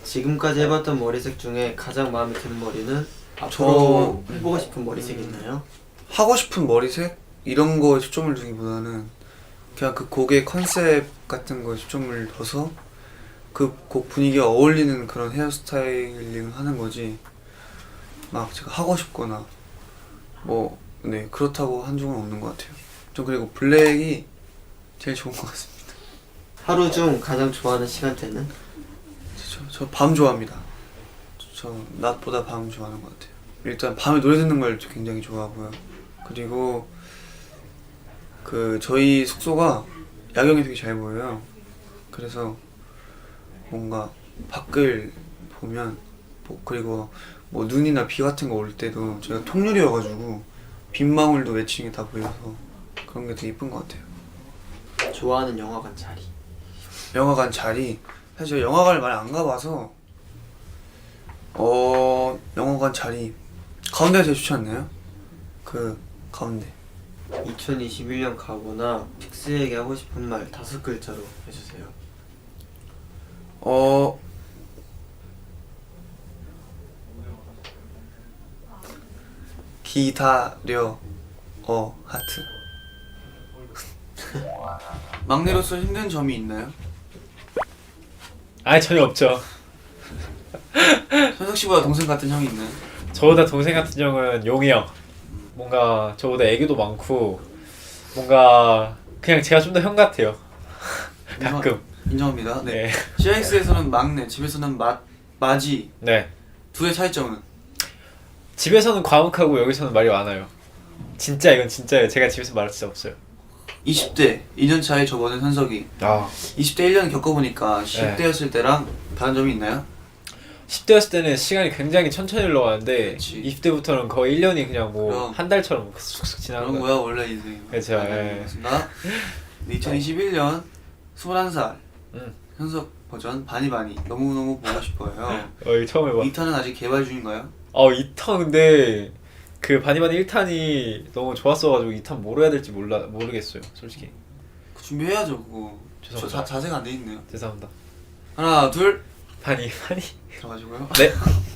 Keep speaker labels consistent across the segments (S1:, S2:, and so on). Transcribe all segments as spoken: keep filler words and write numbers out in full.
S1: 지금까지 해봤던 머리색 중에 가장 마음에 드는 머리는 앞으로
S2: 저...
S1: 해보고 싶은 머리색이 있나요?
S2: 하고 싶은 머리색? 이런 거에 초점을 두기보다는 그냥 그 곡의 컨셉 같은 거에 초점을 둬서 그 곡 분위기에 어울리는 그런 헤어스타일링을 하는 거지 막 제가 하고 싶거나 뭐 네 그렇다고 한종은 없는 것 같아요. 전 그리고 블랙이 제일 좋은 것 같습니다.
S1: 하루 중 가장 좋아하는 시간대는?
S2: 저 밤 좋아합니다. 저 낮보다 밤 좋아하는 것 같아요. 일단 밤에 노래 듣는 걸 굉장히 좋아하고요. 그리고 그 저희 숙소가 야경이 되게 잘 보여요. 그래서 뭔가 밖을 보면 뭐 그리고 뭐 눈이나 비 같은 거 올 때도 저희가 통유리여가지고 빗방울도 외치는 게 다 보여서 그런 게 되게 이쁜 것 같아요.
S1: 좋아하는 영화관 자리?
S2: 영화관 자리? 사실 제가 영화관을 많이 안 가봐서 어... 영화관 자리 가운데가 제일 좋지 않나요? 그 가운데.
S1: 이천이십일 년 가거나 픽스에게 하고 싶은 말 다섯 글자로 해주세요.
S2: 어... 기다려 어 하트. 막내로서 힘든 점이 있나요?
S3: 아 전혀 없죠.
S2: 현석 씨보다 동생 같은 형이 있나요?
S3: 저보다 동생 같은 형은 용이 형. 뭔가 저보다 애교도 많고 뭔가 그냥 제가 좀 더 형 같아요. 가끔.
S2: 인정합니다. 네.
S3: 네.
S2: 씨아이엑스에서는 막내, 집에서는 마, 마지.
S3: 네.
S2: 둘의 차이점은?
S3: 집에서는 과묵하고 여기서는 말이 많아요. 진짜 이건 진짜예요. 제가 집에서 말할 진짜 없어요.
S2: 이십 대 이 년 차에 접어든 현석이
S3: 아.
S2: 이십 대 일 년 겪어보니까 십 대였을 때랑 다른 점이 있나요?
S3: 십 대였을 때는 시간이 굉장히 천천히 흘러가는데
S2: 그치.
S3: 이십 대부터는 거의 일 년이 그냥 뭐
S2: 그럼.
S3: 한 달처럼 쑥쑥 지나는
S2: 그런
S3: 거예요.
S2: 거야 원래 인생.
S3: 그렇죠. 예.
S2: 맞습니다. 네, 이천이십일 년 스물한 살
S3: 음.
S2: 현석 버전 바니바니 너무너무 보고 싶어요.
S3: 어, 이거 처음 해봐.
S2: 이 탄은 아직 개발 중인가요?
S3: 어, 이 탄 근데 그 바니바니 일 탄이 너무 좋았어가지고 이 탄 뭐로 해야 될지 몰라 모르겠어요, 솔직히.
S2: 준비해야죠 그거. 저
S3: 죄송합니다.
S2: 자, 자세가 안 돼 있네요.
S3: 죄송합니다.
S2: 하나 둘
S3: 바니 바니.
S2: 들어가시고요.
S3: 네.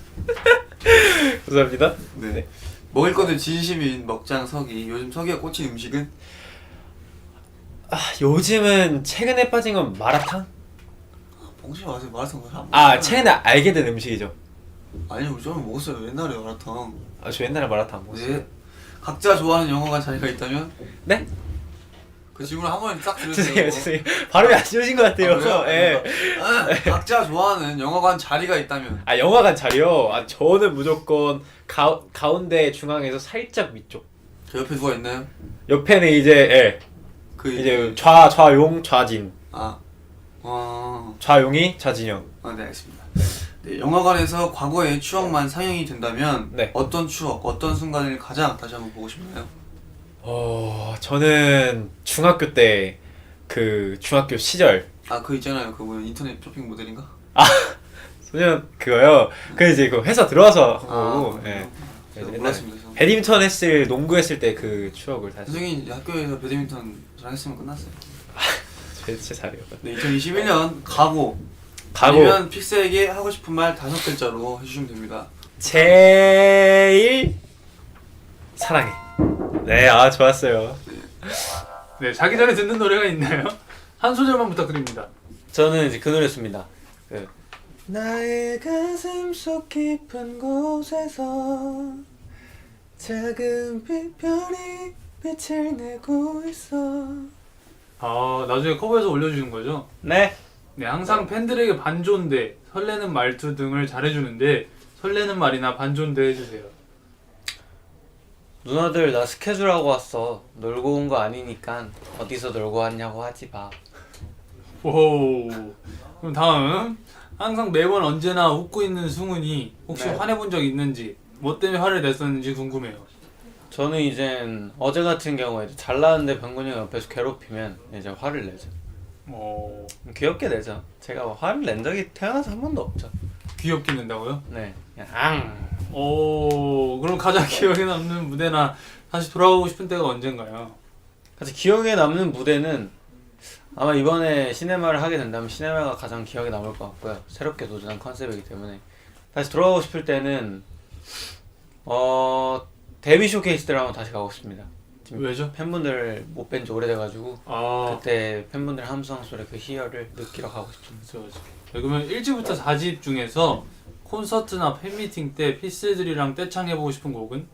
S3: 감사합니다.
S2: 네.
S3: 네.
S2: 먹을 거는 진심인 먹장 석이. 요즘 석이가 꽂힌 음식은?
S3: 아, 요즘은 최근에 빠진 건 마라탕?
S2: 봉지 마세요. 마라탕 안 먹어요.
S3: 아, 최근에 알게 된 음식이죠.
S2: 아니요, 저는 먹었어요. 옛날에 마라탕.
S3: 아, 저 옛날에 마라탕 안 먹었어요.
S2: 네. 각자 좋아하는 영화관 자리가 있다면?
S3: 네?
S2: 그 질문 한 번에 딱
S3: 죄송해요,
S2: 드렸어요.
S3: 죄송해요. 발음이 안 좋으신 것 같아요.
S2: 아, 그래요?
S3: 예.
S2: 아, 각자 좋아하는 영화관 자리가 있다면?
S3: 아, 영화관 자리요? 아, 저는 무조건 가, 가운데 중앙에서 살짝 위쪽.
S2: 저 옆에 누가 있나요?
S3: 옆에는 이제, 예.
S2: 그
S3: 이제 좌, 좌용, 좌진.
S2: 아, 어...
S3: 좌용이 좌진영.
S2: 아, 네, 알겠습니다. 네, 영화관에서 과거의 추억만 상영이 된다면
S3: 네.
S2: 어떤 추억, 어떤 순간을 가장 다시 한번 보고 싶나요?
S3: 어, 저는 중학교 때 그 중학교 시절
S2: 아, 그 있잖아요. 그 뭐 인터넷 쇼핑 모델인가?
S3: 소년 그거요. 그 이제 그 회사 들어와서 한 거고.
S2: 아,
S3: 예.
S2: 제가
S3: 옛날에
S2: 몰랐습니다. 저.
S3: 배드민턴 했을 농구 했을 때 그 추억을 다시.
S2: 선생님 학교에서 배드민턴 저랑 했으면 끝났어요.
S3: 진짜 잘해요.
S2: 네, 이천이십일 년 각오.
S3: 각오.
S2: 아니면 픽스에게 하고 싶은 말 다섯 글자로 해주시면 됩니다.
S3: 제일 사랑해. 네, 아 좋았어요.
S4: 네, 자기 전에 듣는 노래가 있나요? 한 소절만 부탁드립니다.
S5: 저는 이제 그 노래였습니다. 그
S2: 나의 가슴 속 깊은 곳에서 작은 빛별이 빛을 내고 있어.
S4: 아, 나중에 커버해서 올려주신 거죠?
S5: 네.
S4: 네, 항상 팬들에게 반존대, 설레는 말투 등을 잘해주는데 설레는 말이나 반존대 해주세요.
S5: 누나들 나 스케줄 하고 왔어. 놀고 온 거 아니니까 어디서 놀고 왔냐고 하지 마.
S4: 오. 그럼 다음, 항상 매번 언제나 웃고 있는 승훈이 혹시
S5: 네.
S4: 화내본 적 있는지, 뭐 때문에 화를 냈었는지 궁금해요.
S5: 저는 이젠 어제 같은 경우에 이제 잘 나왔는데 병근이 형 옆에서 괴롭히면 이제 화를 내죠.
S4: 어,
S5: 귀엽게 내죠. 제가 화를 낸 적이 태어나서 한 번도 없죠.
S4: 귀엽게 낸다고요?
S5: 네. 그냥 앙.
S4: 오, 그럼 가장 기억에 남는 무대나 다시 돌아가고 싶은 때가 언젠가요?
S5: 그래서 기억에 남는 무대는 아마 이번에 시네마를 하게 된다면 시네마가 가장 기억에 남을 것 같고요. 새롭게 도전한 컨셉이기 때문에 다시 돌아가고 싶을 때는 어 데뷔 쇼케이스 때를 한번 다시 가고 싶습니다. 지금
S4: 왜죠?
S5: 팬분들 못 뵌 지 오래돼가지고
S4: 아
S5: 그때 팬분들 함성 소리 그 희열을 느끼러 가고 싶습니다.
S4: 그렇죠, 그렇죠. 네, 그러면 일 집부터 사 집 중에서 콘서트나 팬미팅 때 피스들이랑 떼창해보고 싶은 곡은?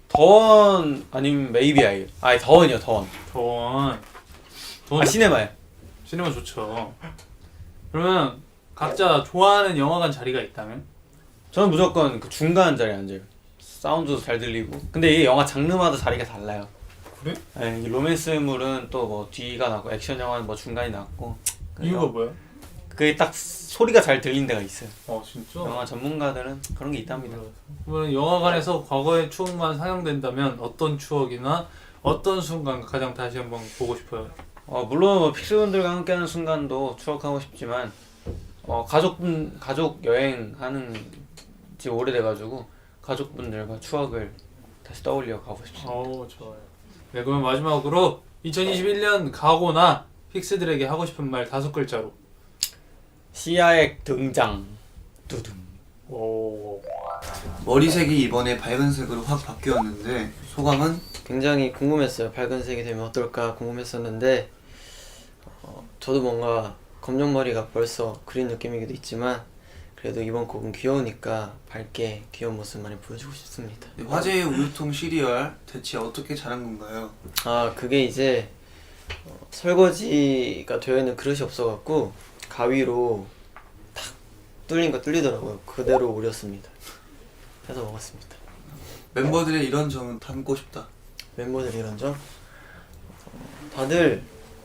S5: 더원 아니면 메이비 아이 아니 더원이요 더원
S4: 더원 더원
S5: 아 시네마요.
S4: 시네마 좋죠. 그러면 각자 좋아하는 영화관 자리가 있다면?
S5: 저는 무조건 그 중간 자리에 앉아요. 사운드도 잘 들리고 근데 이게 영화 장르마다 자리가 달라요.
S4: 그래?
S5: 네, 이 로맨스물은 또 뭐 뒤가 나고 액션 영화는 뭐 중간이 났고
S4: 이유가 뭐야?
S5: 그게 딱 소리가 잘 들린 데가 있어요.
S4: 어 진짜?
S5: 영화 전문가들은 그런 게 있답니다.
S4: 그러면 영화관에서 과거의 추억만 상영된다면 어떤 추억이나 어떤 순간 가장 다시 한번 보고 싶어요?
S5: 어, 물론 뭐 픽스분들과 함께하는 순간도 추억하고 싶지만 어, 가족분 가족 여행하는 지 오래돼가지고 가족분들과 추억을 다시 떠올려 가고 싶습니다.
S4: 어 좋아요. 네 그러면 마지막으로 이천이십일 년 가고나 픽스들에게 하고 싶은 말 다섯 글자로.
S5: 시야액 등장 두둥.
S4: 오.
S2: 머리색이 이번에 밝은 색으로 확 바뀌었는데 소감은?
S1: 굉장히 궁금했어요. 밝은 색이 되면 어떨까 궁금했었는데 어, 저도 뭔가 검정머리가 벌써 그린 느낌이기도 있지만 그래도 이번 곡은 귀여우니까 밝게 귀여운 모습 많이 보여주고 싶습니다.
S2: 화제의 우유통 시리얼 대체 어떻게 자란 건가요?
S1: 아 그게 이제 어, 설거지가 되어 있는 그릇이 없어갖고 가위로 탁 뚫린 거 뚫리더라고요. 그대로 우렸습니다. 해서 먹었습니다.
S2: 멤버들의 이런 점은 담고 싶다.
S1: 멤버들 이런 점? 어, 다들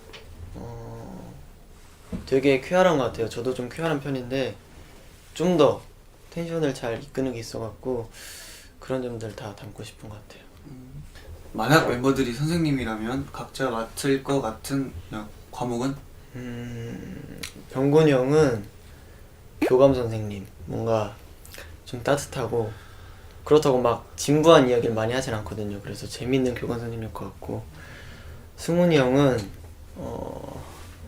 S1: 어, 되게 쾌활한 것 같아요. 저도 좀 쾌활한 편인데 좀 더 텐션을 잘 이끄는 게 있어갖고 그런 점들 다 담고 싶은 것 같아요.
S2: 만약 멤버들이 선생님이라면 각자 맡을 것 같은 야, 과목은?
S1: 음, 병곤이 형은 교감 선생님 뭔가 좀 따뜻하고 그렇다고 막 진부한 이야기를 많이 하진 않거든요. 그래서 재밌는 교감 선생님일 것 같고 승훈이 형은 어,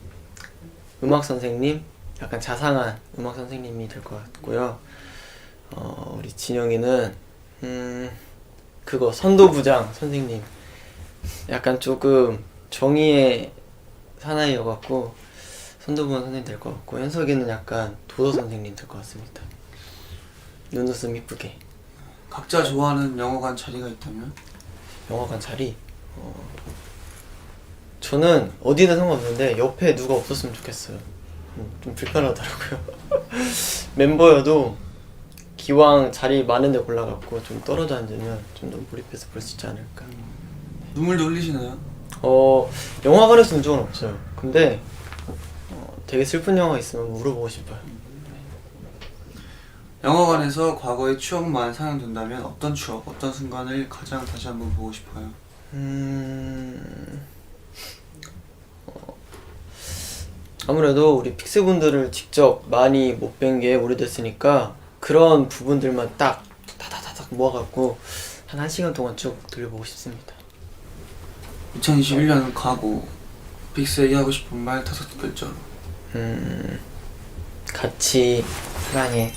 S1: 음악 선생님 약간 자상한 음악 선생님이 될 것 같고요. 어, 우리 진영이는 음, 그거 선도부장 선생님 약간 조금 정의의 사나이여갖고 선도부장 선생님 될 것 같고 현석이는 약간 도도 선생님 될 것 같습니다. 눈웃음 이쁘게.
S2: 각자 좋아하는 영화관 자리가 있다면?
S1: 영화관 자리? 어... 저는 어디든 상관없는데 옆에 누가 없었으면 좋겠어요. 음, 좀 불편하더라고요. 멤버여도 기왕 자리 많은 데 골라갖고 좀 떨어져 앉으면 좀 더 몰입해서 볼 수 있지 않을까.
S2: 눈물도 흘리시나요?
S1: 어... 영화관에서 본 적은 없어요. 근데 어, 되게 슬픈 영화 있으면 물어보고 싶어요.
S2: 영화관에서 과거의 추억만 상영된다면 어떤 추억, 어떤 순간을 가장 다시 한번 보고 싶어요?
S1: 음... 어, 아무래도 우리 픽스분들을 직접 많이 못 뵌 게 오래됐으니까 그런 부분들만 딱 다다다닥 모아갖고 한 1시간 동안 쭉 들려보고 싶습니다.
S2: 이천이십일 년 가고 픽스에게 하고 싶은 말 다섯 글자로.
S1: 음... 같이 사랑해.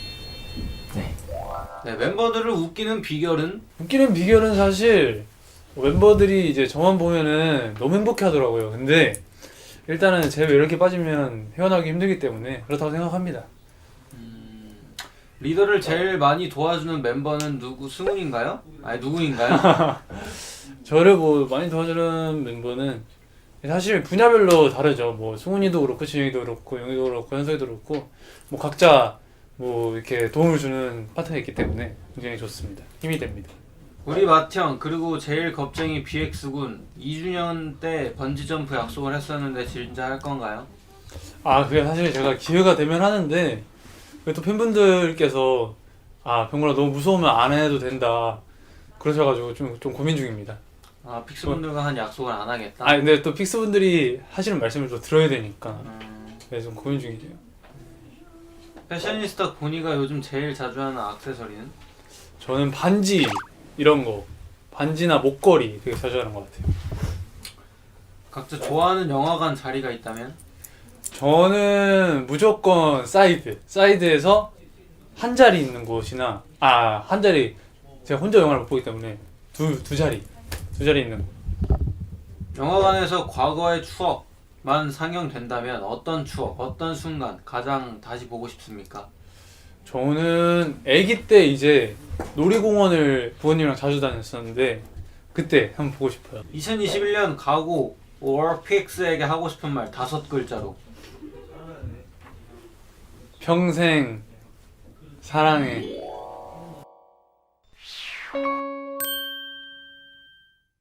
S5: 네, 멤버들을 웃기는 비결은
S4: 웃기는 비결은 사실 멤버들이 이제 저만 보면은 너무 행복해하더라고요. 근데 일단은 제 매력에 빠지면 헤어나기 힘들기 때문에 그렇다고 생각합니다.
S5: 음, 리더를 제일 많이 도와주는 멤버는 누구? 승훈인가요? 아니 누구인가요?
S4: 저를 뭐 많이 도와주는 멤버는 사실 분야별로 다르죠. 뭐 승훈이도 그렇고 진영이도 그렇고 영희도 그렇고 현석이도 그렇고 뭐 각자 뭐 이렇게 도움을 주는 파트너가 있기 때문에 굉장히 좋습니다. 힘이 됩니다.
S5: 우리 맏형 그리고 제일 겁쟁이 비엑스군 이 주년 때 번지점프 약속을 했었는데 진짜 할 건가요?
S4: 아 그게 사실 제가 기회가 되면 하는데 또 팬분들께서 아 병구라 너무 무서우면 안 해도 된다 그러셔가지고 좀, 좀 고민 중입니다.
S5: 아 픽스분들과 한 약속을 안 하겠다?
S4: 아 근데 또 픽스분들이 하시는 말씀을 또 들어야 되니까
S5: 음,
S4: 그래서 좀 고민 중이에요.
S5: 패셔니스타 보니가 요즘 제일 자주 하는 액세서리는?
S4: 저는 반지 이런 거 반지나 목걸이 되게 자주 하는 것 같아요.
S5: 각자 좋아하는 영화관 자리가 있다면?
S4: 저는 무조건 사이드 사이드에서 한 자리 있는 곳이나 아 한 자리 제가 혼자 영화를 못 보기 때문에 두 두 자리 두 자리 있는 곳.
S5: 영화관에서 과거의 추억만 상영된다면 어떤 추억, 어떤 순간 가장 다시 보고 싶습니까?
S4: 저는 아기 때 이제 놀이공원을 부모님이랑 자주 다녔었는데 그때 한번 보고 싶어요.
S5: 이천이십일 년 가고 월픽스에게 하고 싶은 말 다섯 글자로.
S4: 평생 사랑해.